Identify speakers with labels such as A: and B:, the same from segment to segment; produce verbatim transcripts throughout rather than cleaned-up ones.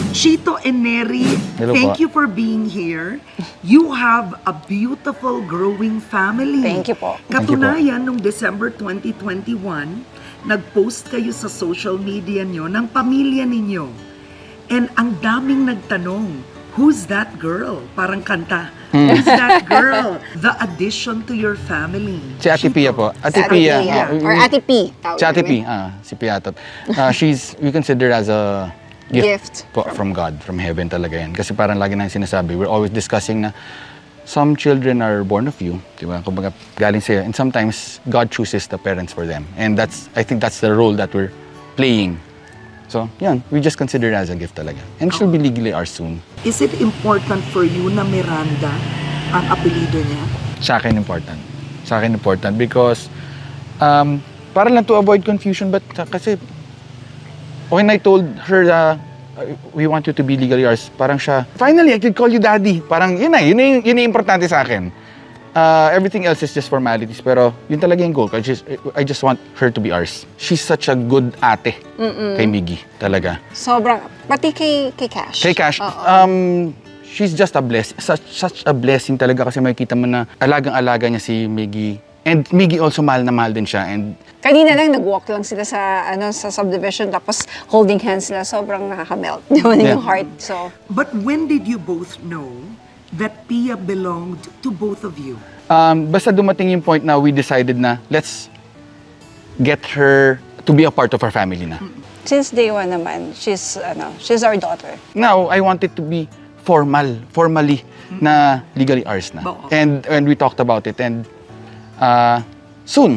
A: Chito and Neri,
B: Hello
A: thank
B: po.
A: you for being here. You have a beautiful growing family.
C: Thank you po.
A: Katunayan, noong December twenty twenty-one, nag-post kayo sa social media nyo ng pamilya ninyo. And ang daming nagtanong, who's that girl? Parang kanta. Who's that girl? The addition to your family.
B: Si Ate Pia po. Ate
C: Si
B: Pia.
C: Pia.
B: ah,
C: Or Ate P.
B: Si Ate P. Ah, si Piatot. Uh, she's, we consider as a gift,
C: Gift.
B: po from God, from heaven talaga yan. Kasi parang lagi nang sinasabi, we're always discussing na some children are born of you, di ba? Kumbaga, galing sa'yo. And sometimes, God chooses the parents for them. And that's, I think that's the role that we're playing. So, yan, we just consider it as a gift talaga. And she'll be legally ours soon.
A: Is it important for you na Miranda ang apelido niya?
B: Sa akin important. Sa akin important because um, para lang to avoid confusion, but uh, kasi when I told her uh, we want you to be legally ours, parang siya, finally, I could call you daddy. Parang yun na, yun na yung, yun na yung importante sa akin. Uh, everything else is just formalities, pero yun talaga yung goal. I just, I just want her to be ours. She's such a good ate
C: Mm-mm.
B: kay Miggy, talaga.
C: Sobrang, pati kay, kay Cash.
B: Kay Cash,
C: Oo.
B: um, she's just a blessing. Such, such a blessing talaga kasi makikita mo na alagang-alaga niya si Miggy. And Miggy also mahal na mahal din siya. And
C: Kanina lang, nag-walk lang sila sa ano sa subdivision, tapos holding hands sila. Sobrang nakaka-melt. Naman
B: Yeah.
C: yung heart. So,
A: But when did you both know that Pia belonged to both of you?
B: um, basta dumating yung point na we decided na let's get her to be a part of our family na.
C: since day one naman, she's, ano, she's our daughter.
B: Now, I want it to be formal, formally na legally ours na.
A: Oo.
B: And when we talked about it, and uh, soon.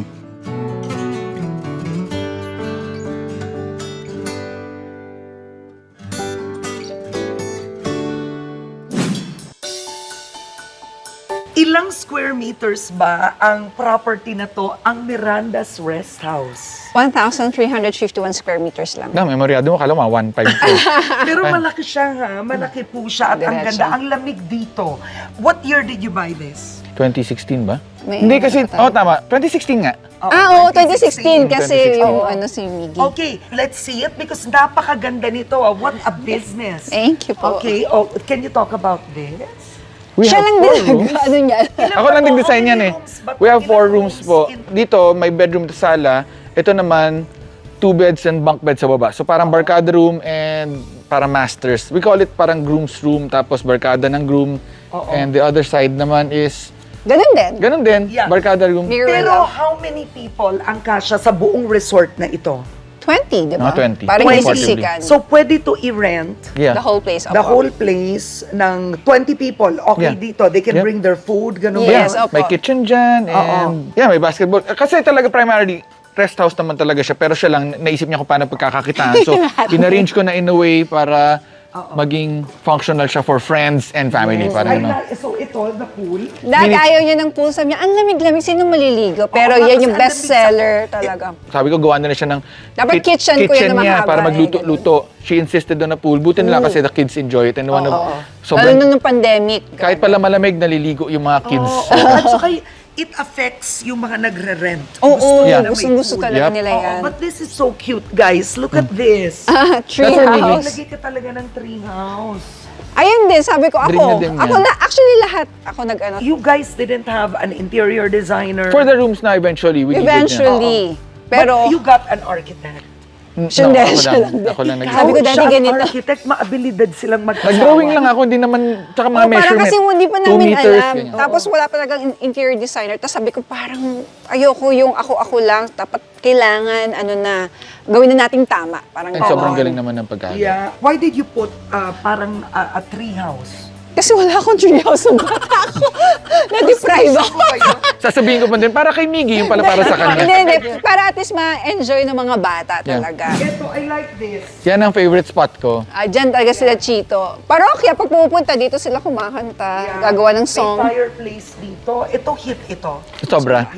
A: Ilang square meters ba ang property na to, ang Miranda's Rest House?
C: one thousand three hundred fifty-one square meters lang.
B: Na, memoryado mo, kala mo, one five two.
A: Pero malaki siya ha, malaki po siya at ang
C: Diretso.
A: ganda, ang lamig dito. What year did you buy this?
B: twenty sixteen ba?
C: May
B: Hindi
C: ano
B: kasi,
C: pa tayo.
B: oh tama, twenty sixteen nga.
C: Ah, oo, twenty sixteen kasi
B: twenty sixteen.
C: yung ano si Miggy.
A: Okay, let's see it because napakaganda nito. ah. What a business.
C: Thank you po.
A: Okay, oh, can you talk about this?
B: We
C: Siya
B: have
C: lang
B: four
C: din
B: rooms.
C: ano niya.
B: Ako lang nag-design yan eh. We have four rooms po. Dito, may bedroom sa sala. Ito naman, two beds and bunk bed sa baba. So parang barkada room and parang masters. We call it parang groom's room, tapos barkada ng groom.
A: Oo.
B: And the other side naman is,
C: Ganun din.
B: ganun din,
A: Yeah.
B: barkada room.
C: Mirror
A: Pero
C: lang.
A: how many people ang kasya sa buong resort na ito?
C: twenty, di ba?
B: Mga twenty.
C: Parang
A: twenty.
C: isiksikan.
A: So pwede to i-rent
B: Yeah.
C: the whole place.
A: the
C: opo.
A: whole place ng twenty people. Okay
B: Yeah.
A: dito, they can
B: Yeah.
A: bring their food, ganun
C: Yes,
A: ba?
C: opo.
B: May kitchen dyan, and yeah, may basketball. Kasi talaga primarily, rest house naman talaga siya, pero siya lang, naisip niya kung paano pagkakakitaan. So, inarrange ko na in a way para maging functional siya for friends and family.
A: Yes.
B: Parang
A: Ay,
B: ano.
A: na- so ito, the pool.
C: Dahil
B: Minutes.
C: ayaw niya ng pool, sabi niya, ang lamig-lamig, sino maliligo? Pero
A: Oo,
C: yan
A: kasi
C: yung
A: ang lamig
C: best seller talaga.
B: Sabi ko, gawa na siya ng
C: Dapat kitchen ko yan na
B: niya
C: mahaba
B: para
C: eh,
B: magluto-luto. She insisted on a pool. Buti nila kasi the kids enjoy it. And one of,
C: Oo.
B: sobrang,
C: Lalo na nung pandemic.
B: kahit pala malamig, naliligo yung mga kids.
A: Oo, at saka it affects yung mga nagre-rent.
C: Oo,
A: Gusto nila
B: Yeah.
A: may
C: gustong-gusto
A: pool.
C: talaga
B: Yep.
C: nila
A: Oo,
C: yan.
A: but this is so cute, guys. Look at this.
C: Ah, tree
B: That's our
C: house.
A: Lagi ka talaga ng tree house.
C: Ayun din, sabi ko
B: Dream
C: ako.
B: na din
C: Ako
B: yan.
C: na, actually lahat. Ako nag-ano.
A: You guys didn't have an interior designer.
B: For the rooms na eventually, we needed
C: Eventually.
A: But
C: Pero,
A: you got an architect.
B: niya.
C: Siya
B: No,
C: din,
B: ako
C: siya
B: lang.
C: lang din.
B: Ako lang nag
C: Sabi ko,
A: Ikaw,
C: dati
A: siya ang
C: ganito.
A: architect, maabilidad silang mag-asawa.
B: Nag-drawing lang ako, hindi naman, tsaka mga
C: oh, parang
B: measurement.
C: kasi hindi pa
B: Two
C: namin
B: meters,
C: alam.
B: ganyan.
C: Tapos wala pa talagang in- interior designer. Tapos sabi ko, parang ayoko yung ako-ako lang. Dapat kailangan, ano na, gawin na nating tama. Parang
B: And
C: ganon.
B: sobrang galing naman ng pagkakagawa.
A: Yeah. Why did you put uh, parang uh, a tree house?
C: Kasi wala akong treehouse ng bata ako. Na-deprive ako.
B: Sasabihin ko pa din, para kay Miggy, yung pala para sa
C: Hindi,
B: kanya.
C: hindi. Para at least ma-enjoy ng mga bata
B: Yeah.
C: talaga.
A: Ito, I like this.
B: Yan ang favorite spot ko.
C: Ah, dyan talaga sila Chito. Parokya, pag pumupunta dito sila kumakanta,
A: Yeah.
C: gagawa ng song.
A: May fireplace dito. Ito, hit ito.
B: Sobra.
A: Yeah.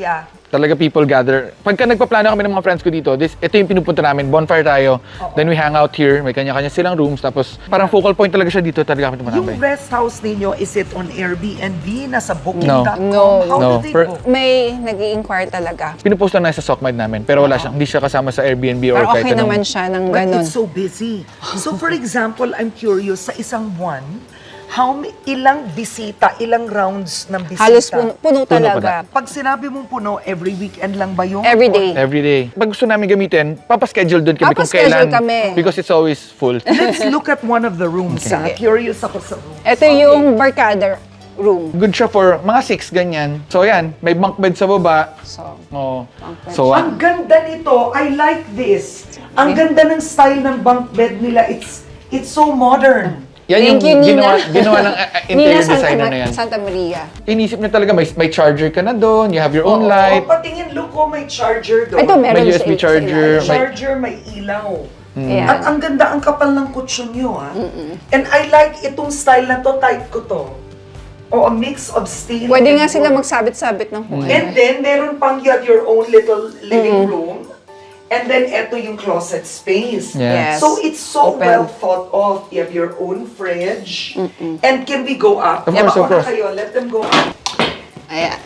B: Talaga people gather. Pagka nagpaplano kami ng mga friends ko dito, this, ito yung pinupunta namin, bonfire tayo. Then we hang out here, may kanya-kanya silang rooms. Tapos parang focal point talaga siya dito, talaga kami
A: Yung
B: tumatambay.
A: rest house ninyo, is it on Airbnb? Nasa booking dot com?
C: No.
A: How
B: No.
A: do they
B: Per-
A: book?
C: May nag inquire talaga.
B: Pinupost lang na sa Sockmide namin, pero wala siya, hindi siya kasama sa Airbnb or
C: Pero
B: kahit
C: okay
B: anong-
C: naman siya ng
A: But
C: ganun.
A: it's so busy. So for example, I'm curious, sa isang buwan, how ma- ilang bisita, ilang rounds ng bisita?
C: Halos puno, puno
B: Puno pa
C: talaga.
A: Pag sinabi mong puno, every weekend lang ba yun?
C: Every day.
B: Every day. Pag gusto namin gamitin, papaschedule doon kami kung
C: Papaschedule
B: kailan.
C: kami.
B: Because it's always full.
A: Let's look at one of the rooms. ah. Curious ako sa room.
C: Ito yung barkada room.
B: Good siya for mga six, ganyan. So yan, may bunk bed sa baba.
C: So,
B: Oh.
C: Bunk bed.
B: So, ah,
A: Ang ganda nito. I like this. Ang ganda ng style ng bunk bed nila. It's it's so modern.
B: yan yung
C: Thank you, Nina.
B: ginawa, ginawa ng uh, uh, interior
C: Nina Santa,
B: designer
C: Ma-
B: na yan.
C: Santa Maria.
B: Inisip niya talaga, may, may charger ka na doon, you have your own
A: Oo,
B: light,
A: patingin, look, oh, may charger doon.
C: Ito
B: may
C: meron
B: U S B
C: sa- sa
B: charger,
C: ilalim.
B: may,
A: Charger, may ilaw.
C: Ayan.
A: At ang ganda, ang kapal ng kutsyon nyo, ah. And I like itong style na to, type ko to. O a mix of steel
C: Pwede
A: and
C: nga sila
A: wood.
C: magsabit-sabit ng kung
A: And
C: ano.
A: then, meron pang you have your own little living room. And then, eto yung closet space.
B: Yeah.
C: Yes.
A: So, it's so
C: Open.
A: well thought of. You have your own fridge. And can we go up?
B: Of
A: Yeah,
B: course, of
A: mauna
B: course.
A: kayo. Let them go up.
C: Ayan.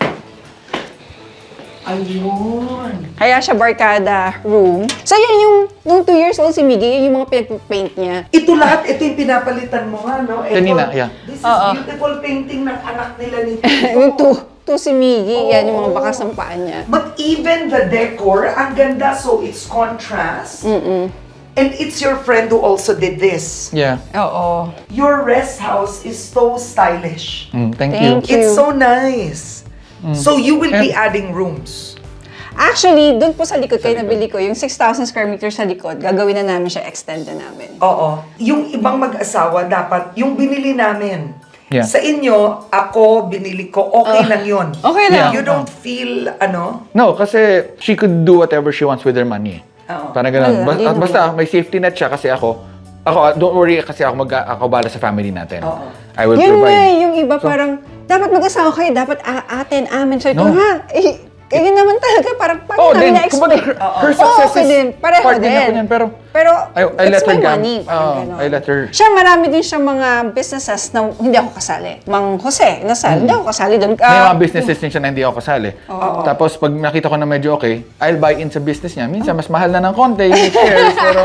A: Ayun.
C: Kaya siya barkada room. So yan yung, nung two years old si Miggy, yun yung mga pinag-paint niya.
A: Ito lahat, ito yung pinapalitan mo nga, no? Ito,
B: Kanina, yeah.
A: This is
C: Oo.
A: beautiful painting ng anak nila ni
C: Yung two, two si Miggy, yan yung mga bakas ng paa niya.
A: But even the decor, ang ganda, so it's contrast. And it's your friend who also did this.
B: yeah.
C: Oo.
A: Your rest house is so stylish.
B: Mm, thank,
C: Thank
B: you.
C: you.
A: It's so nice. So you will be
B: And-
A: adding rooms.
C: Actually, doon po sa likod, kayo nabili ko, yung six thousand square meters sa likod, gagawin na namin siya, extend na namin.
A: Oo. Yung ibang mag-asawa, dapat, yung binili namin,
B: Yeah.
A: sa inyo, ako, binili ko, okay lang yun.
C: Okay lang.
A: You don't feel, ano,
B: No, kasi she could do whatever she wants with her money.
A: Oo.
B: Parang ganun.
C: Wala,
B: Basta,
C: di naman.
B: basta may safety net siya kasi ako, ako, ah, don't worry kasi ako mag ako bala sa family natin.
A: Oo.
B: I will
C: Yun nga,
B: provide.
C: yung iba parang, dapat mag-asawa kayo, dapat a- atin, amin. So ito
B: No.
C: nga, eh, eh, yun naman talaga, parang paano
B: Oh,
C: namin
B: then,
C: na-explain?
B: kumbaga, her, her success
C: okay
B: is
C: din, pareho
B: part din
C: din.
B: ako niyan, pero
C: Pero,
B: I, I
C: it's
B: let her
C: my
B: gam-
C: money. parang
B: Oh,
C: ganon.
B: I let her.
C: Siya, marami din siyang mga businesses na hindi ako kasali. Mang Jose, nasal, hindi ako kasali doon.
B: May
C: Ah,
B: mga businesses din siya na hindi ako kasali. Tapos pag nakita ko na medyo okay, I'll buy in sa business niya. Minsan mas mahal na ng konti, yung shares, pero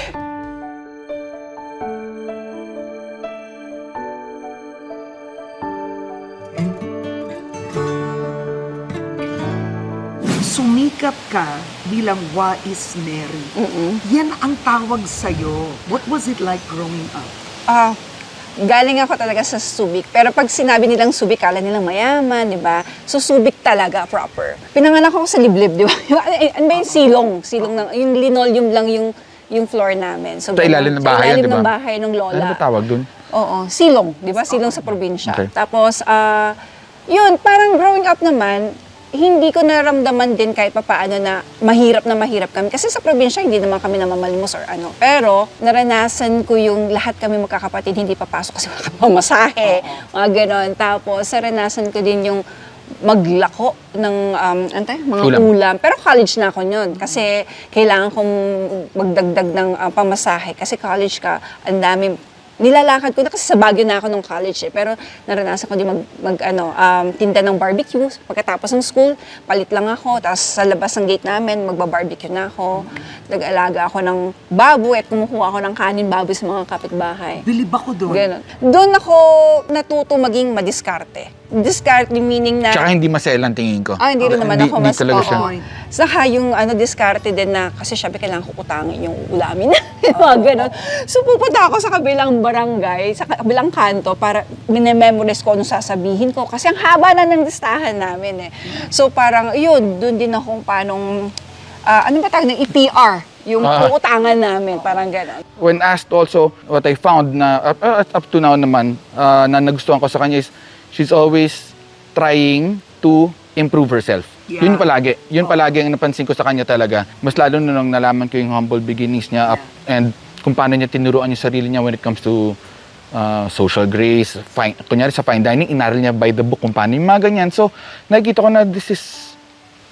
A: sumikap ka bilang Wais Mary. Yan ang tawag sa'yo. What was it like growing up?
C: Ah, galing ako talaga sa Subic. Pero pag sinabi nilang Subic, kala nilang mayaman, di ba? So Subic talaga, proper. Pinanganak ako sa Liblib, di ba? Ano ba yung silong? Silong ng, yung linoleum lang yung yung floor namin. So,
B: Sa ilalim ng bahay
C: Sa
B: yan,
C: ilalim
B: di ba?
C: ng bahay ng lola.
B: ano ba tawag dun?
C: Oo, silong, di ba? Silong sa probinsya.
B: Okay.
C: Tapos, ah, yun, parang growing up naman, hindi ko naramdaman din kahit papaano na mahirap na mahirap kami. Kasi sa probinsya, hindi naman kami namamalimos or ano. Pero, naranasan ko yung lahat kami magkakapatid, hindi papasok kasi wala kami pamasahe, mga ganon. Tapos, naranasan ko din yung maglako ng um, ano tayo? mga
B: Ulam.
C: ulam. Pero college na ako yun. Kasi kailangan kong magdagdag ng uh, pamasahe. Kasi college ka, ang dami nilalakad ko na kasi sa Baguio na ako nung college eh. Pero naranasan ko din mag, mag ano, um, tinda ng barbecue. Pagkatapos ng school, palit lang ako. Tapos sa labas ng gate namin, magba-barbecue na ako. Nag-alaga ako ng baboy at kumukuha ako ng kanin baboy sa mga kapitbahay.
A: Bilib ako doon.
C: Ganon. Doon ako natuto maging madiskarte. Discarte meaning na...
B: Tsaka hindi maselan tingin ko.
C: Ah, hindi rin naman
B: Hindi-
C: ako
B: hindi
C: mas
B: talaga siya.
C: oo. Saka yung ano, diskarte din na, kasi syempre kailangan ko utangin yung ulamin. Mga ganon. So pupunta ako sa kabilang barangay, sa kabilang kanto, para minememorize ko anong sasabihin ko. Kasi ang haba na ng listahan namin eh. So parang, yun, dun din akong panong, ah, ano ba tawag ng E P R? Yung
B: Ah.
C: uutangan namin, parang ganon.
B: When asked also, what I found na up, uh, up to now naman, uh, na nagustuhan ko sa kanya is, she's always trying to improve herself.
A: Yeah.
B: Yun palagi. Yun palagi ang napansin ko sa kanya talaga. Mas lalo na nung nalaman ko yung humble beginnings niya up, and kung paano niya tinuruan yung sarili niya when it comes to uh, social grace. Fine, kunyari sa fine dining, inaral niya by the book kung paano yung mga ganyan. So, nakikita ko na this is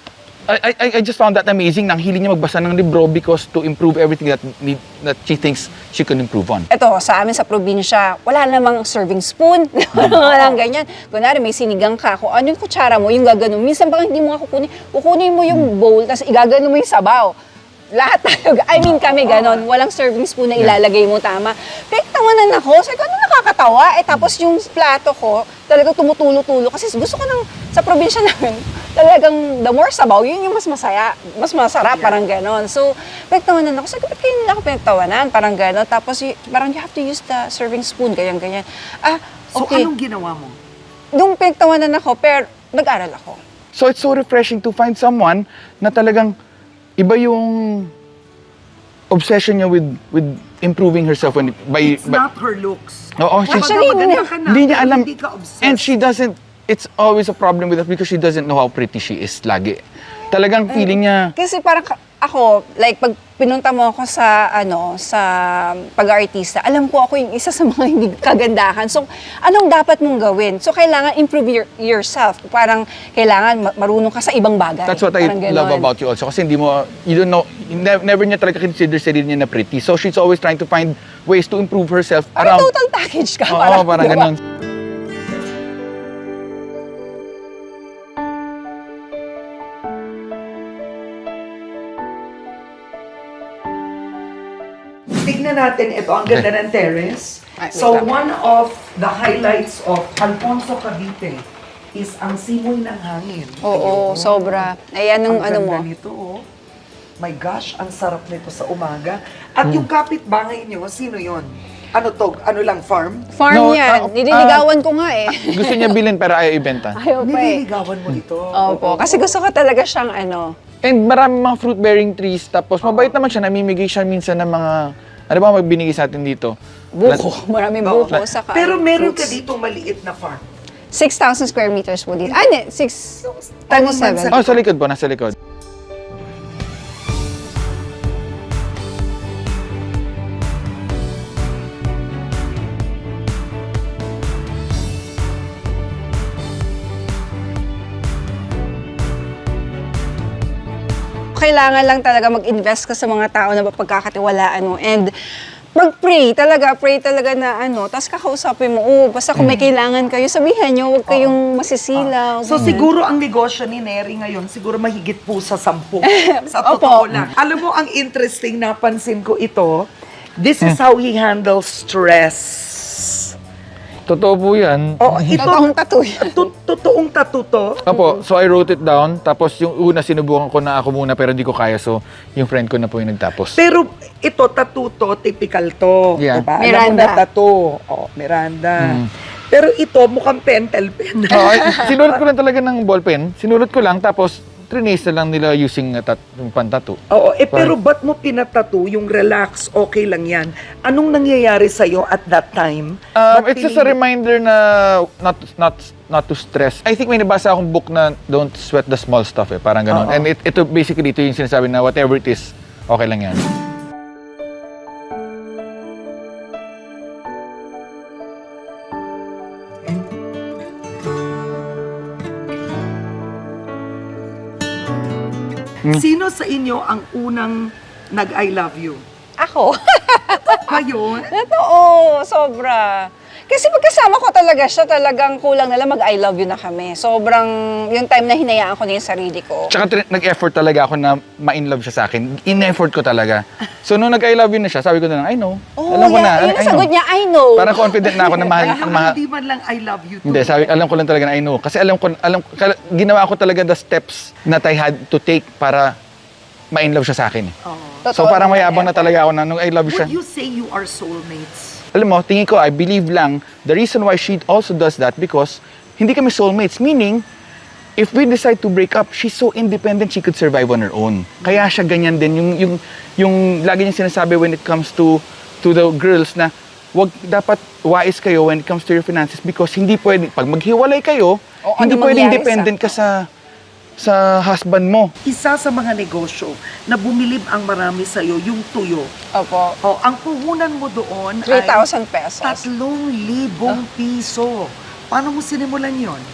B: I, I, I just found that amazing. Nang hiling niya magbasa ng libro because to improve everything that need, that she thinks she can improve on.
C: Ito, sa amin sa probinsya, wala namang serving spoon. Walang ganyan. Kunwari, may sinigang ka. Kung ano yung kutsara mo, yung gaganon. Minsan baka hindi mo nga kukunin. Kukunin mo yung bowl, tapos igaganon mo yung sabaw. Lahat tayo, I mean kami ganon, walang serving spoon na ilalagay mo tama. Pero tawanan ako, sabi ko, ano nakakatawa? Eh tapos yung plato ko, talagang tumutulo-tulo. Kasi gusto ko ng, sa probinsya namin, talagang the more sabaw, yun yung mas masaya, mas masarap, parang ganon. So, pinagtawanan ako, sabi ko, ba't kayo nila ako pinagtawanan? Parang ganon. Tapos y- parang you have to use the serving spoon, ganyan-ganyan. Ah,
A: So,
C: okay.
A: anong ginawa mo?
C: Nung pinagtawanan ako, pero nag-aral ako.
B: So it's so refreshing to find someone na talagang iba yung obsession niya with with improving herself when by
A: It's
B: by-
A: not her looks.
B: Oo, she-
A: Actually, maganda ka na,
B: hindi niya
A: pero
B: alam.
A: Hindi ka obsessed.
B: And she doesn't, it's always a problem with us because she doesn't know how pretty she is lagi. Talagang feeling niya,
C: Kasi parang ka- ako, like, pag pinunta mo ako sa, ano, sa pag-artista, alam ko ako yung isa sa mga hindi kagandahan. So, anong dapat mong gawin? So, kailangan improve your, yourself. Parang kailangan ma- marunong ka sa ibang bagay.
B: that's what I
C: Parang
B: love
C: ganon.
B: about you also. Kasi hindi mo, you don't know, never, never niya talaga consider sarili niya na pretty. So she's always trying to find ways to improve herself
C: Parang
B: around.
C: total package ka.
B: Oo, parang
C: diba?
B: ganun.
A: Tignan natin ito, ang ganda ng terrace.
C: Ay, wait
A: So,
C: lang.
A: one of the highlights of Alfonso Cavite is ang simoy ng hangin.
C: Oo,
A: Ayun.
C: sobra. Ayan ang
A: Ang
C: ano mo.
A: ganda nito, oh. My gosh, ang sarap nito sa umaga. At yung kapitbahay niyo, sino yon? Ano to? Ano lang, farm?
C: Farm
B: No,
C: yan.
B: ah,
C: Nililigawan ko nga eh.
B: Gusto niya bilhin pero ayaw ibenta.
C: Ayaw pa eh.
A: Nililigawan mo ito.
C: Opo, kasi gusto ko talaga siyang ano.
B: And marami mga fruit-bearing trees. Tapos mabait naman siya, namimigay siya minsan ng mga, ano ba magbinigay sa atin dito?
C: Buko. Maraming
A: Oo.
C: buko. Saka
A: Pero meron ka
C: fruits.
A: dito maliit na farm.
C: six thousand square meters po dito. Ah, hindi. six times seven.
B: Oh, sa likod po, nasa likod.
C: Kailangan lang talaga mag-invest ka sa mga tao na mapagkakatiwalaan mo. And mag-pray talaga, pray talaga na ano, tapos kakausapin mo, oh, basta kung may kailangan kayo, sabihan nyo, huwag kayong masisilaw.
A: So
C: ganyan.
A: siguro ang negosyo ni Neri ngayon, siguro mahigit po sa sampu. Sa
C: Opo.
A: totoo lang. Alam mo, ang interesting, napansin ko ito, this is how he handles stress.
B: Totoo po yan.
A: Oh, ito,
C: Totoong tattoo yan.
A: to- totoong tattoo to.
B: Opo, so I wrote it down. Tapos yung una sinubukan ko na ako muna pero hindi ko kaya. So yung friend ko na po yung nagtapos.
A: Pero ito, tattoo to, typical to.
B: Yeah.
A: Diba? Alam mo
C: Miranda.
A: na tattoo. Oh, Miranda.
B: Mm.
A: Pero ito, mukhang pentel pen.
B: Oo, ay, sinulat ko lang talaga ng ballpen. Sinulat ko lang tapos trinace na lang nila using uh, tat yung pantattoo.
A: Oo, eh pero ba't mo pinatattoo yung relax, okay lang yan? Anong nangyayari sa'yo at that time?
B: Um,
A: Ba't
B: it's just a
A: pinili-
B: reminder na not not not to stress. I think may nabasa akong book na don't sweat the small stuff eh, parang ganun.
A: Oo.
B: And it, ito basically ito yung sinasabi na whatever it is, okay lang yan.
A: Sino sa inyo ang unang nag-I love you?
C: Ako.
A: Kayo?
C: Totoo, sobra. Kasi pagkasama ko talaga siya, talagang kulang na lang mag-I love you na kami. Sobrang, yung time na hinayaan ko na yung sarili ko.
B: Tsaka trin- nag-effort talaga ako na ma-in love siya sa akin. In-effort ko talaga. So nung nag-I love you na siya, sabi ko na lang, I know.
C: Oh,
B: alam ko
C: yeah,
B: na,
C: yun
B: I,
C: ang
B: I know.
C: sagot niya, I know.
B: Parang confident na ako na mahal.
A: Baka
B: mahal.
A: hindi man lang I love you too.
B: Hindi, sabi, alam ko lang talaga na I know. Kasi alam ko, alam, kal- ginawa ko talaga the steps that I had to take para ma-in love siya sa akin. eh.
A: Oo.
B: So
C: Totoo
B: parang
C: naman,
B: mayabang na
C: effort.
B: talaga ako na nung I love you siya.
A: Would you say you are soulmates?
B: Alam mo, tingin ko, I believe lang, the reason why she also does that because hindi kami soulmates. Meaning, if we decide to break up, she's so independent, she could survive on her own. Kaya siya ganyan din. Yung, yung, yung lagi niyang sinasabi when it comes to to the girls na wag dapat wise kayo when it comes to your finances because hindi pwede, pag maghiwalay kayo,
C: O,
B: hindi
C: ano
B: pwedeng
C: mangyari
B: dependent
C: sa-
B: ka sa sa husband mo.
A: Isa sa mga negosyo na bumilib ang marami sa'yo, yung tuyo.
C: Opo.
A: Oh, ang puhunan mo doon
C: three
A: ay
C: thousand pesos.
A: tatlong libong piso. Paano mo sinimulan yon?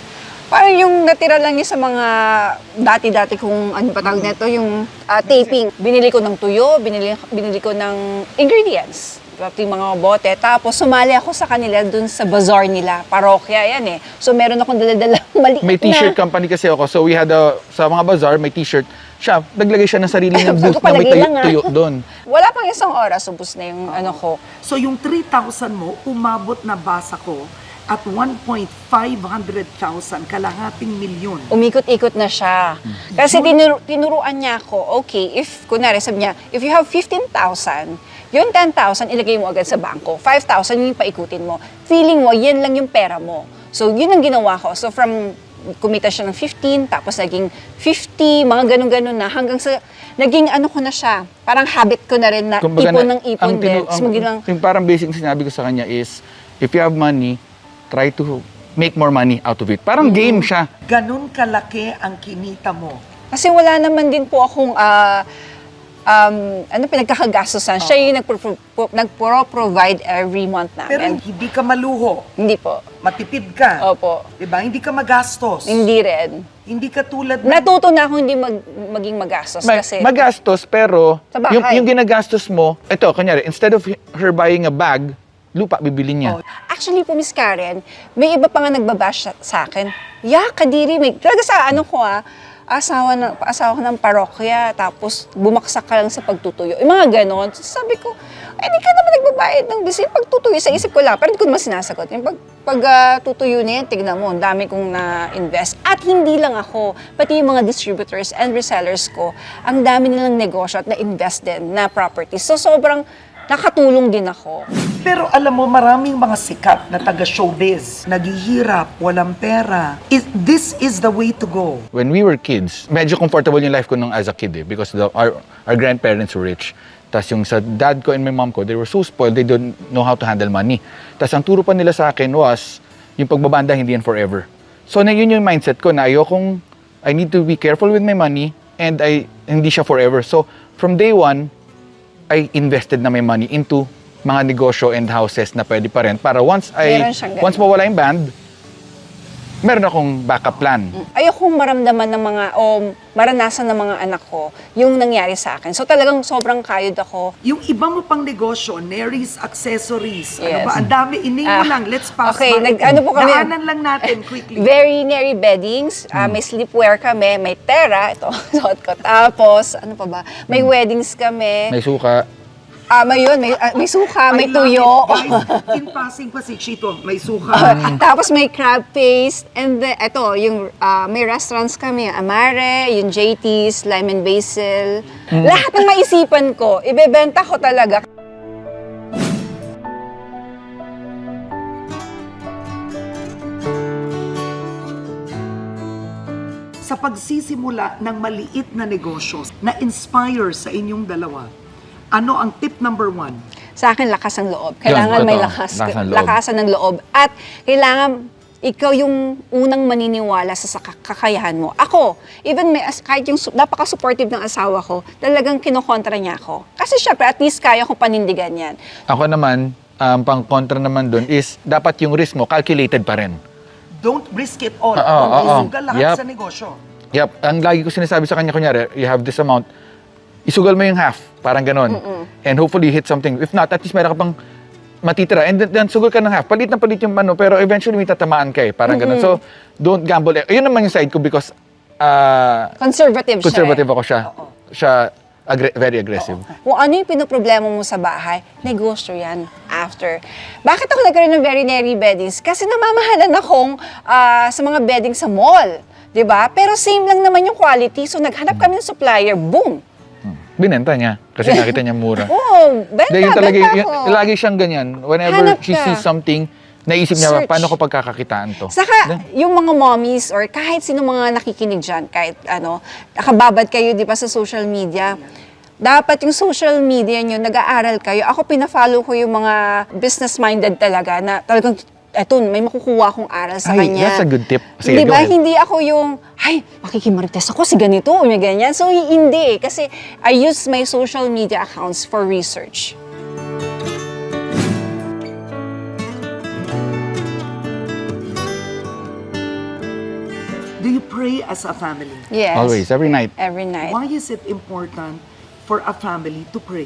C: Parang yung natira lang yun sa mga dati-dati kung ano pa tawag nito, yung ah, taping. Binili ko ng tuyo, binili, binili ko ng ingredients. Pati yung mga bote. Tapos sumali ako sa kanila dun sa bazaar nila. Parokya yan eh. So meron akong dala-dala maliit
B: May t-shirt
C: na.
B: company kasi ako. So we had a, sa mga bazaar, may t-shirt. Siya, naglagay siya ng sarili niyang
C: Sabi
B: booth
C: ko,
B: na may
C: palagay
B: tayo,
C: lang, ah.
B: tuyo doon.
C: Wala pang isang oras, ubus na yung ano ko.
A: So yung three thousand mo, umabot na basa ko at one point five hundred thousand, kalahating milyon.
C: Umikot-ikot na siya. Kasi tinuro, tinuruan niya ako, okay, if, kunwari sabi niya, if you have fifteen thousand, yung ten thousand ilagay mo agad sa bangko, five thousand yung paikutin mo. Feeling mo, yan lang yung pera mo. So yun ang ginawa ko. So from kumita siya ng fifteen, tapos naging fifty, mga ganun-ganun na, hanggang sa, naging ano ko na siya, parang habit ko na rin na
B: Kumbaga
C: ipon
B: na-
C: ng ipon
B: ang
C: din.
B: tinu-
C: Tapos
B: ang-
C: maging lang,
B: yung parang basic na sinabi ko sa kanya is, if you have money, try to make more money out of it. Parang game siya.
A: Ganun kalaki ang kinita mo.
C: kasi wala naman din po akong, ah, um, ano, pinagkakagastosan. Siya yung nagpro- pro- nagpro-provide every month
A: Pero
C: namin.
A: hindi ka maluho,
C: Hindi po.
A: matipid ka.
C: Opo.
A: Diba? Hindi ka magastos.
C: Hindi rin.
A: Hindi ka tulad ng...
C: Natuto na ako hindi mag, maging magastos
B: Ma-
C: kasi
B: magastos, pero
C: Sa bahay.
B: yung, yung ginagastos mo, ito, kanyari, instead of her buying a bag, lupa bibili niya.
A: Oh.
C: actually po, Miss Karen, may iba pa nga nagbabash sa, sa akin. Yeah, kadiri, may, talaga sa ano ko ah, asawa, ng, asawa ko ng parokya, tapos bumaksak ka lang sa pagtutuyo. Yung mga ganon. So, sabi ko, eh, di ka naman nagbabayad ng bisil. Pagtutuyo, sa isip ko lang, pero hindi ko naman sinasagot. Yung pag, pag ah, tutuyo na yan, tignan mo, ang dami kong na-invest. At hindi lang ako, pati yung mga distributors and resellers ko, ang dami nilang negosyo at na-invest din na properties. So, sobrang nakatulong din ako.
A: Pero alam mo, maraming mga sikat na taga-showbiz, naghihirap, walang pera. Is, this is the way to go.
B: When we were kids, medyo comfortable yung life ko nung as a kid eh, because the, our, our grandparents were rich. Tapos yung sa dad ko and my mom ko, they were so spoiled, they don't know how to handle money. Tapos ang turo pa nila sa akin was, yung pagbabanda hindi yan forever. So na yun yung mindset ko na ayokong, I need to be careful with my money and I hindi siya forever. So from day one, I invested na my money into mga negosyo and houses na pwede pa rin para once I
C: Meron siyang ganun.
B: once mawala yung band, meron akong backup plan.
C: Ayokong maramdaman ng mga, o maranasan ng mga anak ko, yung nangyari sa akin. So talagang sobrang kayod ako.
A: Yung iba mo pang negosyo, Nery's Accessories,
C: Yes.
A: ano ba? Ang dami, iname mo
C: Ah,
A: lang, let's pass
C: okay,
A: by.
C: nag- ano po kami-
A: Daanan lang natin, quickly.
C: Very nary beddings, ah, may sleepwear kami, may tera, ito, suot ko. Tapos, ano pa ba? May weddings kami.
B: May suka.
C: Ah, may yun, may, ah, may suka, may
A: I love
C: tuyo.
A: it, guys. In passing pa si Chito, may suka.
C: Tapos may crab paste, and then, ito, yung ah, may restaurants kami, Amare, yung J T's, Lime and Basil. Lahat ng maisipan ko, ibebenta ko talaga.
A: Sa pagsisimula ng maliit na negosyo na inspire sa inyong dalawa, ano ang tip number one?
C: Sa akin, lakas ng loob. Kailangan
B: Yun,
C: may
B: totoo.
C: lakas,
B: Lakas ng loob.
C: lakasan ng loob. At kailangan ikaw yung unang maniniwala sa sa kakayahan mo. Ako, even may, as- kahit yung su- napaka-supportive ng asawa ko, talagang kinokontra niya ako. Kasi syempre, at least kaya ko panindigan yan.
B: Ako naman, um, pang kontra naman dun is dapat yung risk mo calculated pa rin.
A: Don't risk it all.
B: Oo,
A: Huwag
B: oo.
A: isugal lahat
B: Yup.
A: sa negosyo.
B: Yep, ang lagi ko sinasabi sa kanya, kunyari, you have this amount, isugal mo yung half, parang ganon. And hopefully hit something. If not, at least meron ka pang matitira. And then, then sugal ka ng half. Palit na palit yung ano, pero eventually may tatamaan ka eh. Parang ganon. So, don't gamble. Eh, Yun naman yung side ko because uh,
C: Conservative,
B: conservative
C: siya.
B: ako siya. Siya aggre- very aggressive.
C: Eh. Kung ano yung pinoproblema mo sa bahay, negosyo yan after. Bakit ako nagkaroon ng very nary beddings? Kasi namamahalan akong ah, sa mga bedding sa mall. 'Di ba? Pero same lang naman yung quality. So naghanap kami ng supplier, boom.
B: Binenta niya kasi nakita niya mura.
C: Oh, benta,
B: Dahil yung talaga,
C: benta
B: yung,
C: ako.
B: lagi siyang ganyan. Whenever
C: Hanap
B: she
C: ka.
B: sees something, naisip niya,
C: Search.
B: paano ko pagkakakitaan to?
C: Saka, yung mga mommies or kahit sino mga nakikinig dyan, kahit ano, nakababad kayo, di ba, sa social media, dapat yung social media nyo, nag-aaral kayo. Ako, pina-follow ko yung mga business-minded talaga na talagang, eto, may makukuha akong aral sa
B: Ay,
C: kanya.
B: that's a good tip. Sige,
C: Di
B: go
C: ba?
B: ahead.
C: Hindi ako yung, ay, makikimarites ako si ganito, o may ganyan. So, hindi eh. Kasi I use my social media accounts for research.
A: pray as a family.
C: Yes.
B: Always, every night.
C: Every night.
A: Why is it important for a family to pray?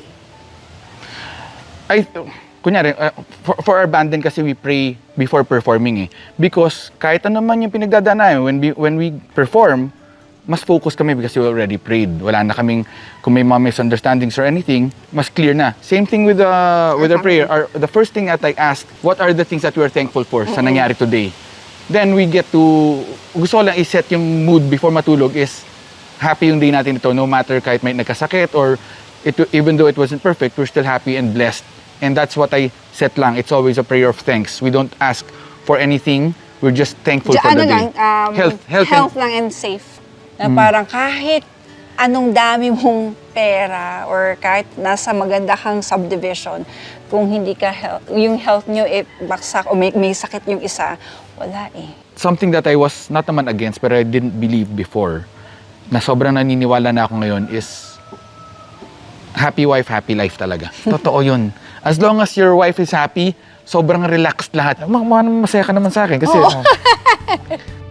B: I, kunyari, uh, for, for our band din kasi we pray before performing eh. Because kahit ano man yung pinagdadaanan, when we, when we perform, mas focus kami because we already prayed. Wala na kaming, kung may mga misunderstandings or anything, mas clear na. Same thing with, uh, with our prayer. Our, the first thing that I ask, what are the things that we are thankful for sa nangyari today? Then we get to, gusto ko lang i-set yung mood before matulog is happy yung day natin ito, no matter kahit may nagkasakit or it, even though it wasn't perfect, we're still happy and blessed. And that's what I set lang. It's always a prayer of thanks. We don't ask for anything. We're just thankful
C: Di-
B: for
C: ano
B: the
C: lang,
B: day.
C: um,
B: health, health,
C: health
B: and-
C: lang and safe. Na parang kahit anong dami mong pera or kahit nasa maganda kang subdivision, kung hindi ka health, yung health nyo eh, baksak o may, may sakit yung isa, wala eh.
B: something that I was not naman against but I didn't believe before na sobrang naniniwala na ako ngayon is happy wife, happy life talaga. Totoo yun. As long as your wife is happy, sobrang relaxed lahat. Ma- ma- masaya ka naman sa akin kasi ah,